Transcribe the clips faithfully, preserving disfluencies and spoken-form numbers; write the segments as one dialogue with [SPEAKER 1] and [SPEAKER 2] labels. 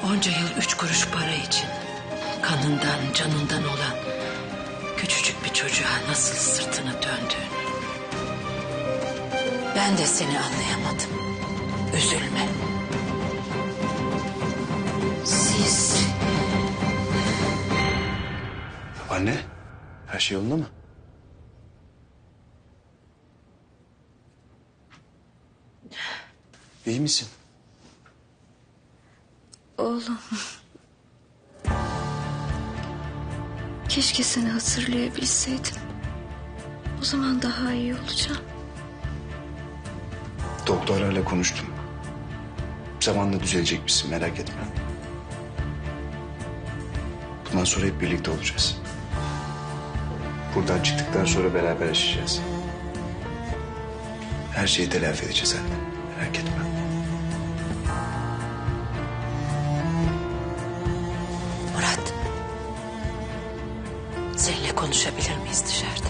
[SPEAKER 1] Onca yıl üç kuruş para için kanından, canından olan küçücük bir çocuğa nasıl sırtını döndüğünü. Ben de seni anlayamadım. Üzülme. Siz...
[SPEAKER 2] Anne, her şey yolunda mı? İyi misin?
[SPEAKER 3] Oğlum. Keşke seni hatırlayabilseydim. O zaman daha iyi olacağım.
[SPEAKER 2] Doktorlarla konuştum. Zamanla düzelecek misin, merak etme. Bundan sonra hep birlikte olacağız. Buradan çıktıktan sonra beraber yaşayacağız. Her şeyi telafi edeceğiz anne, merak etme.
[SPEAKER 1] Murat. Seninle konuşabilir miyiz dışarıda?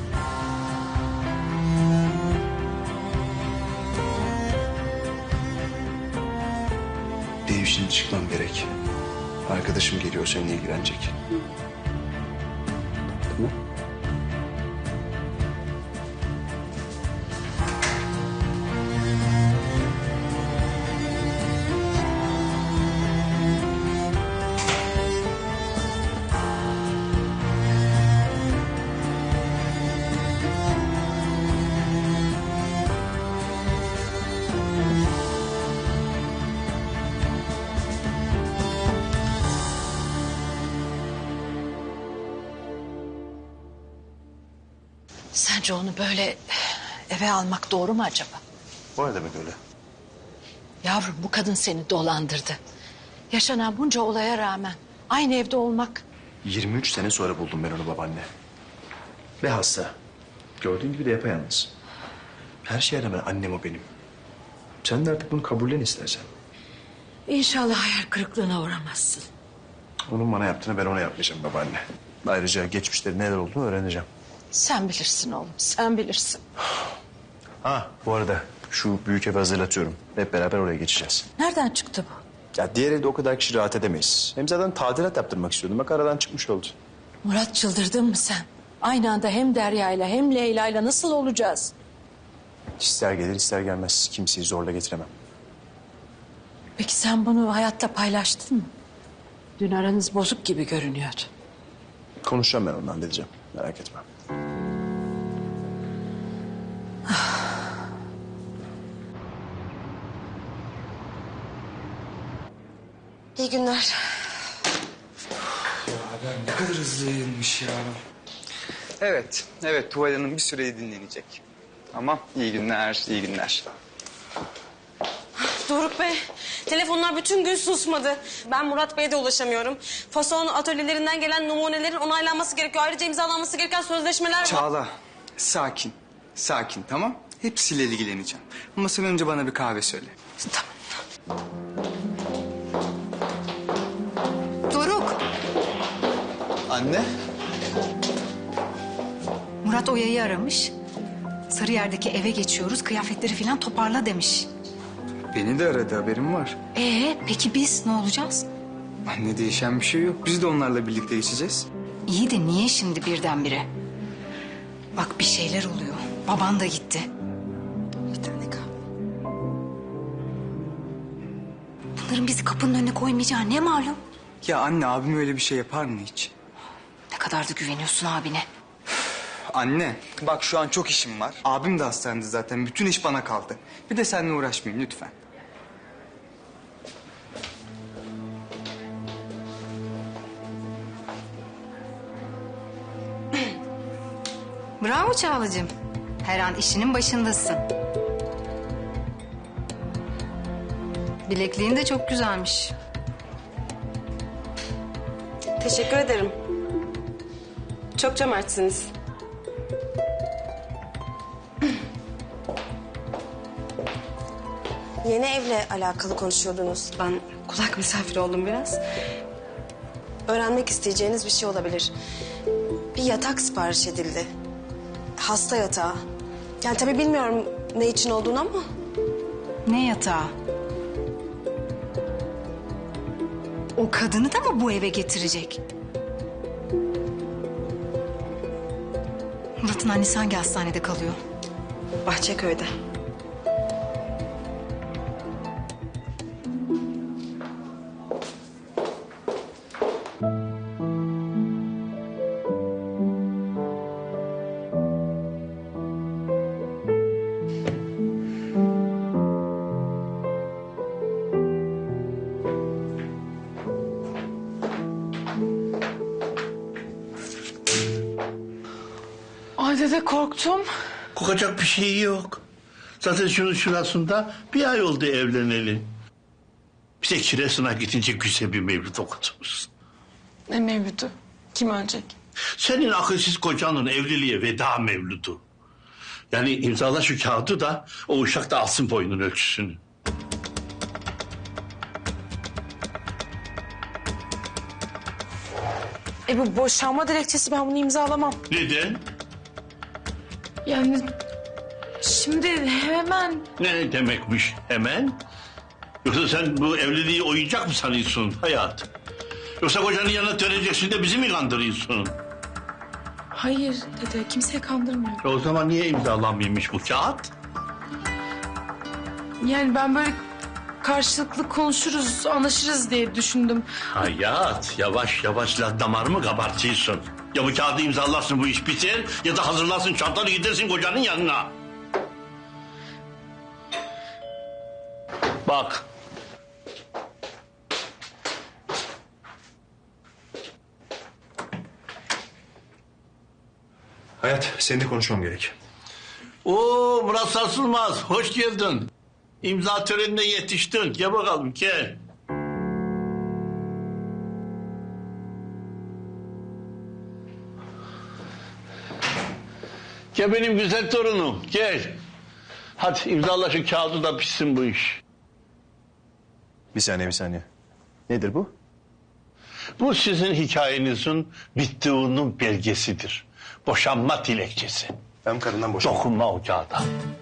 [SPEAKER 2] Benim şimdi çıkmam gerek. Arkadaşım geliyor, seninle ilgilenecek. Tamam.
[SPEAKER 1] Sence onu böyle eve almak doğru mu acaba?
[SPEAKER 2] O ne demek öyle?
[SPEAKER 1] Yavrum, bu kadın seni dolandırdı. Yaşanan bunca olaya rağmen aynı evde olmak...
[SPEAKER 2] yirmi üç sene sonra buldum ben onu babaanne. Ve hasta. Gördüğün gibi de yapayalnız. Her şeye rağmen annem o benim. Sen de artık bunu kabullen istersen.
[SPEAKER 1] İnşallah hayal kırıklığına uğramazsın.
[SPEAKER 2] Onun bana yaptığını ben ona yapmayacağım babaanne. Ayrıca geçmişleri neler olduğunu öğreneceğim.
[SPEAKER 1] Sen bilirsin oğlum, sen bilirsin.
[SPEAKER 2] Ha, bu arada şu büyük evi hazırlatıyorum. Hep beraber oraya geçeceğiz.
[SPEAKER 1] Nereden çıktı bu?
[SPEAKER 2] Ya diğer evde o kadar kişi rahat edemeyiz. Hem zaten tadilat yaptırmak istiyordum. Bak aradan çıkmış oldu.
[SPEAKER 1] Murat, çıldırdın mı sen? Aynı anda hem Derya'yla hem Leyla'yla nasıl olacağız?
[SPEAKER 2] İster gelir ister gelmez. Kimseyi zorla getiremem.
[SPEAKER 1] Peki sen bunu hayatta paylaştın mı? Dün aranız bozuk gibi görünüyordu.
[SPEAKER 2] Konuşacağım ben onunla, halledeceğim. Merak etme.
[SPEAKER 4] İyi günler.
[SPEAKER 5] Ya ben ne kadar hızlıymış ya. Evet, evet Tuval Hanım bir süre dinlenecek. Tamam, iyi günler, iyi günler.
[SPEAKER 4] Doruk Bey, telefonlar bütün gün susmadı. Ben Murat Bey'e de ulaşamıyorum. Fason atölyelerinden gelen numunelerin onaylanması gerekiyor. Ayrıca imzalanması gereken sözleşmeler var.
[SPEAKER 5] Çağla, sakin, sakin tamam. Hepsiyle ilgileneceğim. Ama sen önce bana bir kahve söyle.
[SPEAKER 1] Tamam.
[SPEAKER 6] Doruk,
[SPEAKER 5] Anne.
[SPEAKER 6] Murat Oya'yı aramış. Sarıyer'deki eve geçiyoruz, kıyafetleri falan toparla demiş.
[SPEAKER 5] Beni de aradı, haberim var.
[SPEAKER 6] Ee, peki biz ne olacağız?
[SPEAKER 5] Anne, değişen bir şey yok. Biz de onlarla birlikte geçeceğiz.
[SPEAKER 6] İyi de niye şimdi birdenbire? Bak bir şeyler oluyor. Baban da gitti.
[SPEAKER 4] Bir tane kahve.
[SPEAKER 6] Bunların bizi kapının önüne koymayacağı ne malum?
[SPEAKER 5] Ya anne, abim öyle bir şey yapar mı hiç?
[SPEAKER 6] Ne kadar da güveniyorsun abine.
[SPEAKER 5] Anne, bak şu an çok işim var. Abim de hastanede zaten. Bütün iş bana kaldı. Bir de seninle uğraşmayayım lütfen.
[SPEAKER 6] Bravo Çağlacığım. Her an işinin başındasın. Bilekliğin de çok güzelmiş.
[SPEAKER 4] Teşekkür ederim. Çok cömertsiniz. Yeni evle alakalı konuşuyordunuz. Ben kulak misafiri oldum biraz. Öğrenmek isteyeceğiniz bir şey olabilir. Bir yatak sipariş edildi. Hasta yatağı. Yani tabii bilmiyorum ne için olduğunu ama...
[SPEAKER 6] Ne yatağı? O kadını da mı bu eve getirecek? Murat'ın annesi hangi hastanede kalıyor?
[SPEAKER 4] Bahçeköy'de.
[SPEAKER 7] Ay dede korktum.
[SPEAKER 8] Korkacak bir şey yok. Zaten şunun şurasında bir ay oldu evleneli. Bize kiresine gidince güzel bir mevlüt okuturuz.
[SPEAKER 7] Ne mevlütü? Kim ölecek?
[SPEAKER 8] Senin akılsız kocanın evliliğe veda mevludu. Yani imzala şu kağıdı da o uşak da alsın boynun ölçüsünü.
[SPEAKER 7] E bu boşanma dilekçesi, ben bunu imzalamam.
[SPEAKER 8] Neden?
[SPEAKER 7] Yani şimdi hemen...
[SPEAKER 8] Ne demekmiş hemen? Yoksa sen bu evliliği oyuncak mı sanıyorsun hayatım? Yoksa kocanın yanına döneceksin de bizi mi kandırıyorsun?
[SPEAKER 7] Hayır dede, kimseye kandırmıyorum.
[SPEAKER 8] E o zaman niye imzalanmıyormuş bu kağıt?
[SPEAKER 7] Yani ben böyle karşılıklı konuşuruz, anlaşırız diye düşündüm.
[SPEAKER 8] Hayat, yavaş yavaş la damarımı kabartıyorsun. Ya bu kağıdı imzalarsın, bu iş biter, ya da hazırlarsın çantanı gidersin kocanın yanına. Bak.
[SPEAKER 2] Hayat, seninle konuşmam gerek.
[SPEAKER 8] Oo Murat Sarsılmaz, hoş geldin. İmza törenine yetiştin. Gel bakalım, gel. Gel benim güzel torunum, gel. Hadi imzala şu kağıdı da pişsin bu iş.
[SPEAKER 2] Bir saniye, bir saniye. Nedir bu?
[SPEAKER 8] Bu sizin hikayenizin bittiğinin belgesidir. Boşanma dilekçesi.
[SPEAKER 2] Ben karından boşandım.
[SPEAKER 8] Dokunma o kağıda.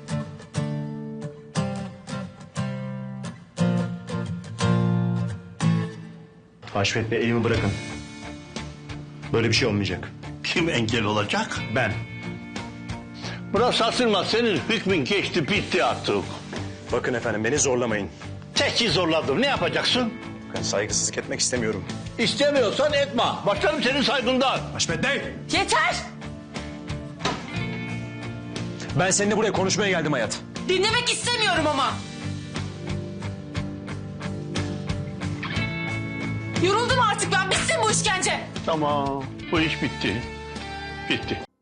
[SPEAKER 2] Haşmet Bey, elimi bırakın. Böyle bir şey olmayacak.
[SPEAKER 8] Kim engel olacak?
[SPEAKER 2] Ben.
[SPEAKER 8] Murat Sarsılmaz, senin hükmün geçti, bitti artık.
[SPEAKER 2] Bakın efendim, beni zorlamayın.
[SPEAKER 8] Teki zorladım, ne yapacaksın?
[SPEAKER 2] Ben saygısızlık etmek istemiyorum.
[SPEAKER 8] İstemiyorsan etme. Başlarım senin saygından.
[SPEAKER 2] Haşmet Bey!
[SPEAKER 7] Yeter!
[SPEAKER 2] Ben seninle buraya konuşmaya geldim Hayat.
[SPEAKER 7] Dinlemek istemiyorum ama. Yoruldum artık ben, bitsin bu işkence.
[SPEAKER 8] Tamam, bu iş bitti. Bitti.